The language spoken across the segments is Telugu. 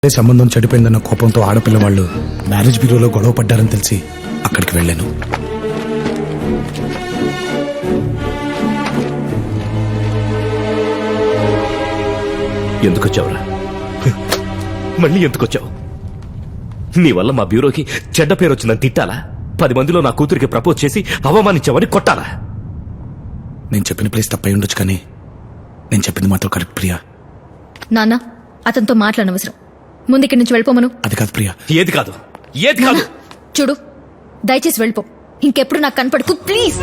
సంబంధం చెడిపోయిందన్న కోపంతో ఆడపిల్ల వాళ్ళు మ్యారేజ్ బ్యూరోలో గొడవ పడ్డారని తెలిసి అక్కడికి వెళ్ళాను. ఎందుకొచ్చావురా? మళ్ళీ ఎందుకొచ్చావు? నీ వల్ల మా బ్యూరోకి చెడ్డ పేరు వచ్చిందని తిట్టాలా? 10 మందిలో నా కూతురికి ప్రపోజ్ చేసి అవమానించావని కొట్టాలా? నేను చెప్పిన ప్లేస్ తప్పై ఉండొచ్చు, కానీ నేను చెప్పింది మాత్రం కరెక్ట్ ప్రియా. నాన్న, అతనితో మాట్లాడనవసరం. ముందు ఇక్కడి నుంచి వెళ్ళిపోమను. అది కాదు ప్రియా. ఏది కాదు? ఏది కాదు? చూడు, దయచేసి వెళ్ళిపో. ఇంకెప్పుడు నాకు కనపడకు ప్లీజ్.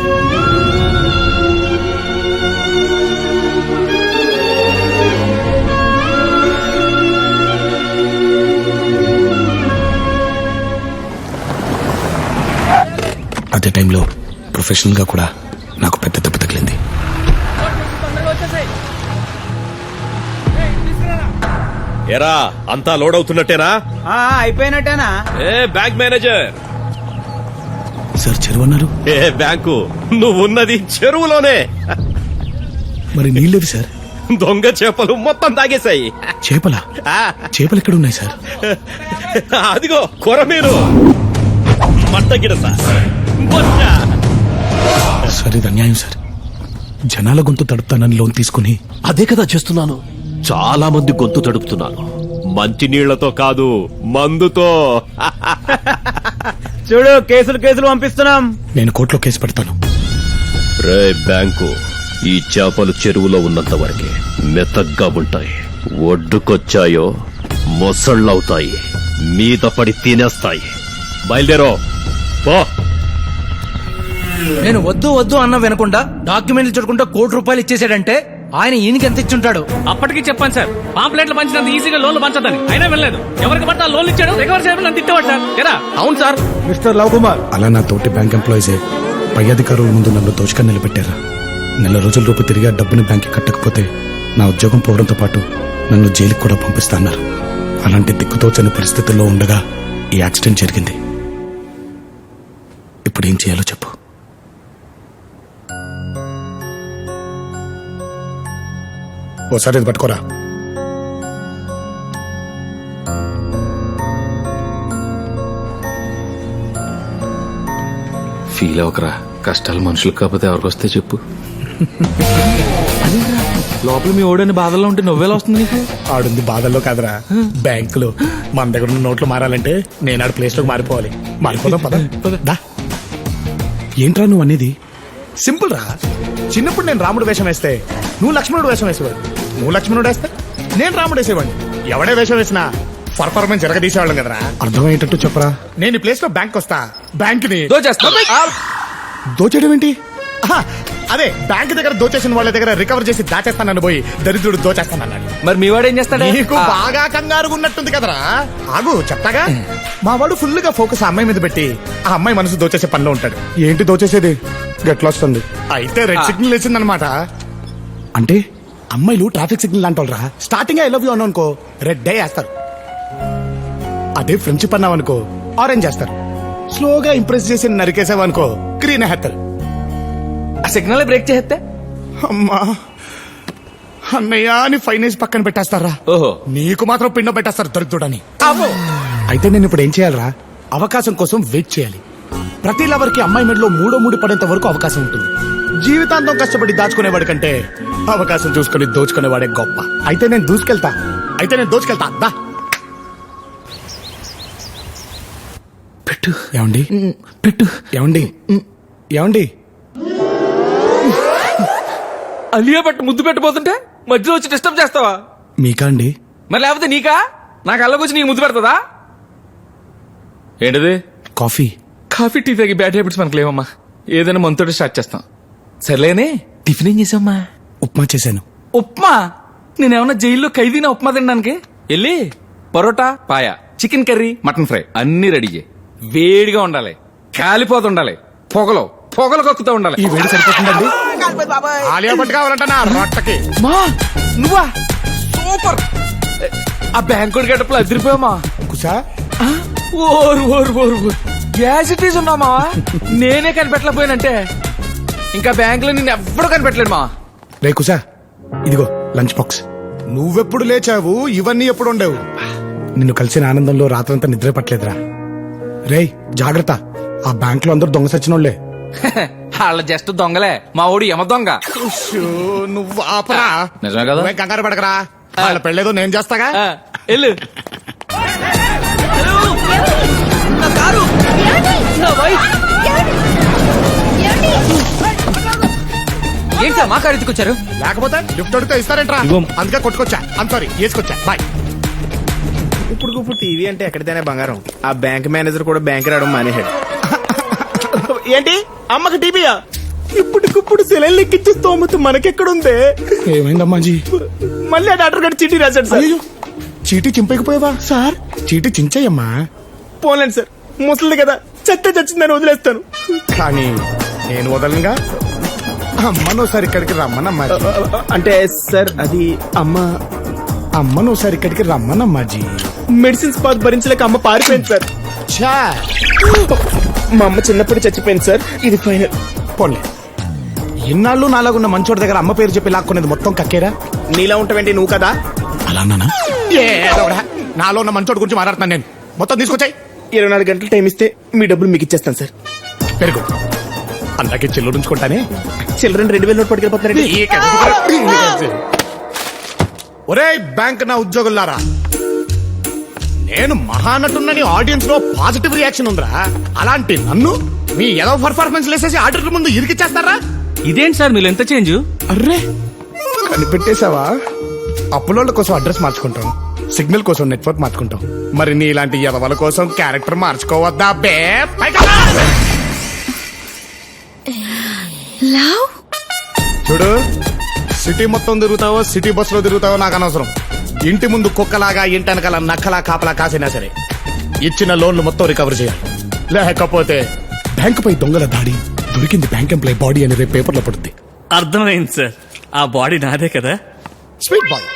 అదే టైంలో ప్రొఫెషనల్ గా కూడా నాకు పెద్ద దెబ్బ తగిలింది. ఎరా, అంతా లోడ్ అవుతున్నట్టేనా? అయిపోయినట్టేనా? ఏ బ్యాంక్ మేనేజర్, సార్ చెరువు అన్నారు. ఏ బ్యాంకు? నువ్వున్నది చెరువులోనే. మరి నీళ్ళేవి సార్? దొంగ చేపలు మొత్తం తాగేశాయి. చేపలా? చేపలు ఎక్కడ ఉన్నాయి సార్? అదిగో కొరమీను, మట్టగిడస, బొచ్చ. సార్ ఇది అన్యాయం సార్. జనాల గొంతు తడుపుతానని లోన్ తీసుకుని అదే కదా చేస్తున్నాను. చాలా మంది గొంతు తడుపుతున్నాను. మంచి నీళ్లతో కాదు, మందుతో. చూడు, కేసులు పంపిస్తున్నాం. నేను కోర్టులో కేసు పెడతాను. రే బ్యాంకు, ఈ చేపలు చెరువులో ఉన్నంత వరకే మెత్తగ్గా ఉంటాయి. ఒడ్డుకొచ్చాయో మొసళ్ళవుతాయి, మీద పడి తినేస్తాయి. బయలుదేరో పో. నేను వద్దు అన్న వినకుండా డాక్యుమెంట్లు చూడకుండా ₹1,00,00,000 ఇచ్చేసాడంటే ఆయన ఈయనకి ఎంత ఇచ్చుంటాడు? అప్పటికి చెప్పాను సార్, పాంప్లెట్లు పంచినంత ఈజీగా లోన్లు పంచదని. అయినా వెళ్ళలేదు. ఎవరికి పట్ట లోన్లు ఇచ్చాడు, రికవర్ చేయమని నన్ను తిట్టేవాడు సార్. కదా? అవును సార్. మిస్టర్ లవ్ కుమార్, అలా నా తోటి బ్యాంక్ ఎంప్లాయీసే పై అధికారుల ముందు నన్ను దోచుకొని నిలబెట్టారు. నెల రోజుల రూపు తిరిగి ఆ డబ్బుని బ్యాంక్కి కట్టకపోతే నా ఉద్యోగం పోవడంతో పాటు నన్ను జైలుకి కూడా పంపిస్తాన్నారు. అలాంటి దిక్కుతోచని పరిస్థితుల్లో ఉండగా ఈ యాక్సిడెంట్ జరిగింది. ఇప్పుడు ఏం చేయాలో చెప్పు. ఓసారి ఇది పట్టుకోరా. ఫీల్ అవకరా, కష్టాలు మనుషులకు కాకపోతే ఎవరికొస్తే చెప్పు. లోపల మీ ఓడని బాధల్లో ఉంటే నవ్వేలా వస్తుంది నీకు? ఆడుంది బాధల్లో కాదురా, బ్యాంకులో. మన దగ్గర ఉన్న నోట్లు మారాలంటే నేను ఆడ ప్లేస్ లోకి మారిపోవాలి. మారిపోదాం పద. దా. ఏంట్రా నువ్వు అనేది? సింపుల్ రా. చిన్నప్పుడు నేను రాముడు వేషం వేస్తే నువ్వు లక్ష్మణుడు వేషం వేసేవాడు. నువ్వు లక్ష్మణుడు వేస్తే నేను రాముడు వేసేవాడిని. ఎవడే వేషం వేసినా పర్ఫార్మెన్స్ జరగదీసేవాళ్ళం కదరా. అర్థమయ్యేటట్టు చెప్పరా. నేను ఈ ప్లేస్ లో బ్యాంక్ వస్తా, బ్యాంక్ ని దోచేయడం ఏంటి? అదే బ్యాంక్ దగ్గర దోచేసిన వాళ్ళ దగ్గర రికవర్ చేసి దాచేస్తానని పోయి దరిద్రుడు దోచేస్తానన్నాడు. మరి మీ వాడు ఏం చేస్తాడు? నీకు బాగా కంగారుగా ఉన్నట్టుంది కదరా. ఆగు చెప్తాగా. మా వాడు ఫుల్ గా ఫోకస్ ఆ అమ్మాయి మీద పెట్టి ఆ అమ్మాయి మనసు దోచేసే పనిలో ఉంటాడు. ఏంటి దోచేసేది? గట్లా వస్తుంది. అయితే రెడ్ సిగ్నల్ వేసిందనమాట. అంటే అమ్మాయిలు ట్రాఫిక్ సిగ్నల్ అంటారా. స్టార్టింగ్ ఐ లవ్ యూ అనుకో రెడ్ డే వేస్తారు. అదే ఫ్రెండ్షిప్ అన్నావనుకో ఆరెంజ్ చేస్తారు. స్లోగా ఇంప్రెస్ చేసి నరికేసావనుకో గ్రీన్ వేస్తారు. ఆ సిగ్నల్ బ్రేక్ చేస్తే అమ్మా అన్నయ్య అని ఫైనాన్స్ పక్కన పెట్టేస్తారా. ఓహో, నీకు మాత్రం పిండం పెట్టేస్తారు దొరుకుతుడని. అయితే నేను ఇప్పుడు ఏం చేయాలరా? అవకాశం కోసం వెయిట్ చేయాలి. ప్రతి లవర్ కి అమ్మాయి మెడలో మూడో ముడి పడేంత వరకు అవకాశం ఉంటుంది. జీవితాంతం కష్టపడి దాచుకునేవాడి కంటే అవకాశం చూసుకుని దోచుకునేవాడే గొప్ప. అయితే నేను దూసుకెళ్తా. దా పెట్టు. ఏమండి? పెట్టు. ఏమండి? అలియా పట్టు ముద్దు పెట్టబోతుంటే మధ్యలో వచ్చి డిస్టర్బ్ చేస్తావా? మీకా అండి? మరి లేకపోతే నీకా? నాకు అల్లకొచ్చి నీకు ముద్దు పెడతదా? ఏంటిది? కాఫీ. కాఫీ టీ తాగి బ్యాడ్ హ్యాబిట్స్ మనకు లేవమ్మా. ఏదైనా మనతోటి స్టార్ట్ చేస్తాం. సర్లేనే, టిఫిన్ ఏం చేసావమ్మా? ఉప్మా చేశాను. ఉప్మా? నేనేమన్నా జైల్లో ఖైదీనా ఉప్మా తినడానికి? వెళ్ళి parotta, paya, chicken curry, mutton fry అన్ని రెడీ చేయి. వేడిగా ఉండాలి, కాలిపోతుండాలి, పొగలు కక్కుతూ ఉండాలి. ఈ వేడి సరిపోతుందండి. ఆలియా భట్ కావాలంట నా రొట్టకి. మా నువ్వా? సూపర్. ఆ బ్యాంకుడి గడపలో అదిరిపోయామా? కుసా ఓరు గ్యాసిటీస్ ఉన్నామా? నేనే కనిపెట్టలేకపోయానంటే ఇంకా బ్యాంక్ లో నిన్ను ఎవ్వడూ కనిపెట్టలేడు మా. రే కుసా, ఇదిగో లంచ్ బాక్స్. నువ్వెప్పుడు లేచావు? ఇవన్నీ ఎప్పుడు ఉండేవు? నిన్ను కలిసిన ఆనందంలో రాత్రంతా నిద్ర పట్టలేదురా. రేయ్ జాగ్రత్త, ఆ బ్యాంక్ లో అందరూ దొంగ సచ్చినోళ్లే. వాళ్ళ జస్ట్ దొంగలే, మా ఊడి యమ దొంగ. నువ్వు ఆపరా. నిజమే కదా? నువ్వేం కంగారు పడకరా, వాళ్ళ పెళ్ళేదో నేను చేస్తాగా. ఆ, వెళ్ళు. ఏంటి సార్ మా కారు ఎత్తుకొచ్చారు? లేకపోతే లిఫ్ట్ అడిగితే ఇస్తారేంట్రా? అందుకే కొట్టుకొచ్చా. సారీ వేసుకొచ్చా. బాయ్. ఇప్పుడు టీవీ అంటే ఎక్కడితేనే బంగారం. ఆ బ్యాంక్ మేనేజర్ కూడా బ్యాంక్ రావడం మానేశాడు. ఏంటి అమ్మకి టీవీయా? ఇప్పటికిప్పుడు సెలైన్ ఎక్కించే స్తోమత మనకెక్కడుందే? ఏమైందమ్మాజీ? మళ్ళీ ఆ డాక్టర్ గారు చీటీ రాశాడు సార్. అయ్యో, చీటీ చింపకపోయావా సార్? చీటీ చించేయమ్మా. పోలేండి సార్, ముసలిది కదా, చెత్త చచ్చిందని వదిలేస్తాను. కానీ నేను వదలనుగా. అమ్మను ఒకసారి ఇక్కడికి రమ్మనమ్మా. అంటే సార్ అది అమ్మను ఒకసారి ఇక్కడికి రమ్మనమ్మాజీ. మెడిసిన్స్ పాత్ భరించలేక అమ్మ పారిపోయింది సార్. ఛా, మా అమ్మ చిన్నప్పుడు చచ్చిపోయింది సార్. ఇది ఫైనల్. పోన్లే, ఇన్నాళ్ళు నాలాగున్న మంచోడి దగ్గర అమ్మ పేరు చెప్పి లాక్కునేది మొత్తం కక్కేరా. నీలా ఉంటావేంటి నువ్వు కదా? అలా అన్నానా? నాలో ఉన్న మంచోడి గురించి మాట్లాడుతున్నాను నేను. మొత్తం తీసుకొచ్చాయి. 24 గంటలు టైం ఇస్తే మీ డబ్బులు మీకు ఇచ్చేస్తాను సార్. పెరుగు అందాకే చెల్లు ఉంచుకుంటానే. Children 2000 note పట్టుకెళ్ళిపోతున్నారండి. ఒరే బ్యాంక్ నా ఉద్యోగులారా, నేను మహానటున్నని ఆడియన్స్ లో పాజిటివ్ రియాక్షన్ ఉందిరా. అలాంటి నన్ను మీ ఏదో పర్ఫార్మెన్స్ లేసేసి ఆడిటర్ ముందు ఇరికిచ్చేస్తారా? ఇదేంటి సార్ మీరు ఎంత చేంజ్? అర్రే కనిపెట్టేశావా? అప్పులోళ్ళ కోసం అడ్రస్ మార్చుకుంటాం, సిగ్నల్ కోసం నెట్వర్క్ మార్చుకుంటాం. మరి నీ ఇలాంటి ఎదవల కోసం క్యారెక్టర్ మార్చుకోవద్దా బే? పైకి రా! లవ్ చూడు, సిటీ మొత్తం తిరుగుతావో సిటీ బస్ లో తిరుగుతావో నాకు అనవసరం. ఇంటి ముందు కుక్కలాగా ఇంటి వెనకాల నక్కలా కాపలా కాసినా సరే ఇచ్చిన లోన్లు మొత్తం రికవర్ చేయాలి. లేకపోతే బ్యాంకు పై దొంగల దాడి, దొరికింది బ్యాంక్ ఎంప్లాయ్ బాడీ అని రేపు పేపర్లో పడుద్ది. అర్థమైంది సార్, ఆ బాడీ నాదే కదా. Sweet boy.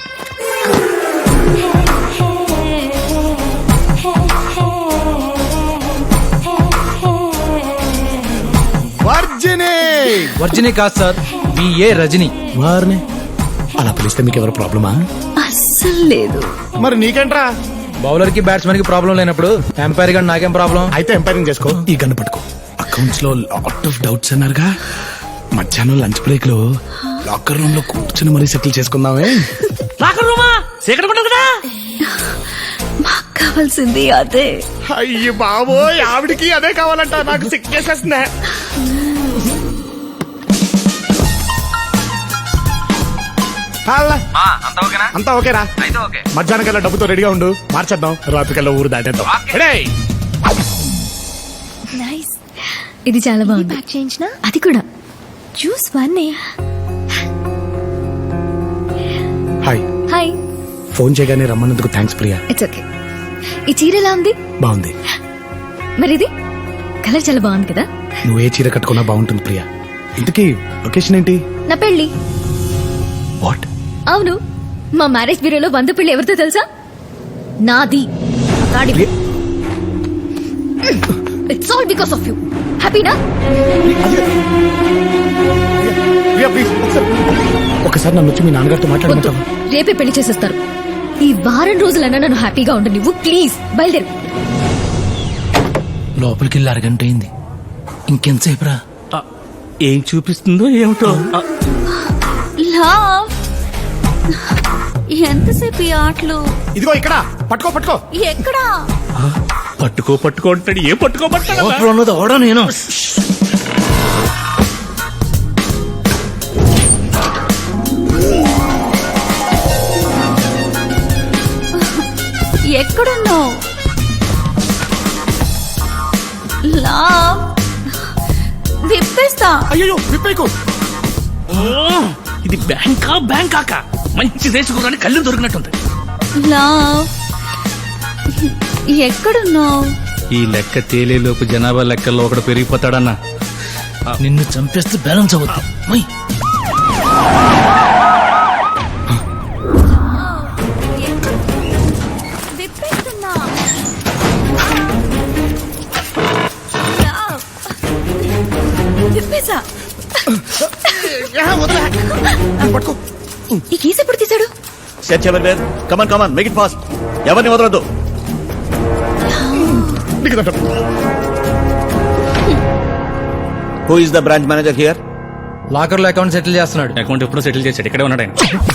వర్జిని కాదు సార్, బిఏ రజని. వారిని అలా పిలిస్తే మీకు ఎవరు ప్రాబ్లమా? అస్సలు లేదు. మరి నీకేంట్రా? బౌలర్ కి బ్యాట్స్మెన్ కి ప్రాబ్లం లేనప్పుడు ఎంపైర్ గా నాకేం ప్రాబ్లం? అయితే ఎంపైరింగ్ చేసుకో. ఈ గన్ను పట్టుకో. అకౌంట్స్ లో లాట్ ఆఫ్ డౌట్స్ అన్నారుగా, మధ్యాహ్నం లంచ్ బ్రేక్ లో లాకర్ రూమ్ లో కూర్చుని మరీ సెటిల్ చేసుకుందామే. మాకు కావాల్సింది అదే. అయ్యి బాబోయ్, ఆవిడికి అదే కావాలంట. నాకు సిక్కేసేస్తుందే. అంతా ఓకేరా? మధ్యాహ్నం కల్లా డబ్బుతో రెడీగా ఉండు, మార్చేద్దాం. రాత్రి కల్లా ఊరు దాటేద్దాం. రెడీ? నైస్. ఇది చాలా బాగుంది. ప్యాక్ చేయించిన అది కూడా జ్యూస్ వన్నే. హాయ్. హాయ్. ఫోన్ చేయగానే రమ్మన్నందుకు థ్యాంక్స్ ప్రియా. It's okay. ఈ చీర ఎలా ఉంది? బాగుంది. మరి ఇది కలర్ చాలా బాగుంది కదా. నువ్వు ఏ చీర కట్టుకున్నా బాగుంటుంది ప్రియా. ఇంతకీ లొకేషన్ ఏంటి? నా పెళ్లి. వాట్? అవును, మా మ్యారేజ్ బ్యూరోలో 100 పెళ్లి ఎవరితో తెలుసా? నాది. It's all because of you. హ్యాపీనా? ప్రియా ప్లీజ్ ఒకసారి నన్ను వచ్చి మీ నాన్నగారితో మాట్లాడమంటావా? రేపే పెళ్లి చేసేస్తారు. ఈ వారం రోజులన్నా నన్ను హ్యాపీగా ఉండు నువ్వు. ప్లీజ్ బయలుదేరు. లోపలికి వెళ్ళి అరగంట అయింది, ఇంకెంతసేపు రా? ఏం చూపిస్తుందో ఏమిటో. లవ్, ఎంతసేపు ఈ ఆటలు? ఇదిగో ఇక్కడ పట్టుకో. పట్టుకో. ఎక్కడా? పట్టుకో అంటాడు. ఏ పట్టుకోబట్టాడు? లోపల ఉన్నది ఓడా నేను. ఎక్కడున్నావు? లవ్, విప్పేస్తా. అయ్యో విప్పేకు. ఇది బ్యాంకాక మంచి దేశకురాని కళ్ళు దొరికినట్టుంది. లవ్, ఎక్కడున్నావు? ఈ లెక్క తేలేలోపు జనాభా లెక్కల్లో ఒకడు పెరిగిపోతాడన్నా. నిన్ను చంపేస్తే బ్యాలెన్స్ అవుతుంది. విప్పేస్తున్నా. విప్పేసా. పట్టుకో. ఈ కేసు ఎప్పుడు తీశాడు? Search everywhere. Come on come on, make it fast. ఎవరిని వదలొద్దు. Who is the branch manager here? Locker లో అకౌంట్ సెటిల్ చేస్తున్నాడు. అకౌంట్ ఎప్పుడో సెటిల్ చేశాడు, ఇక్కడే ఉన్నాడు ఆయన.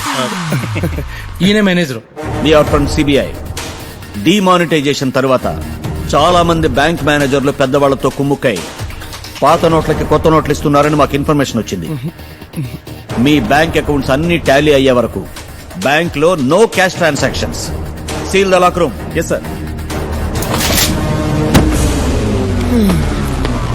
ఈయన manager. We are from CBI. Demonetisation తర్వాత చాలా మంది బ్యాంక్ మేనేజర్లు పెద్దవాళ్లతో కుమ్ముక్కై పాత నోట్లకి కొత్త నోట్లు ఇస్తున్నారని మాకు ఇన్ఫర్మేషన్ వచ్చింది. మీ బ్యాంక్ అకౌంట్స్ అన్ని టాలీ అయ్యే వరకు బ్యాంక్ లో no cash transactions. Seal the lock room. Yes sir.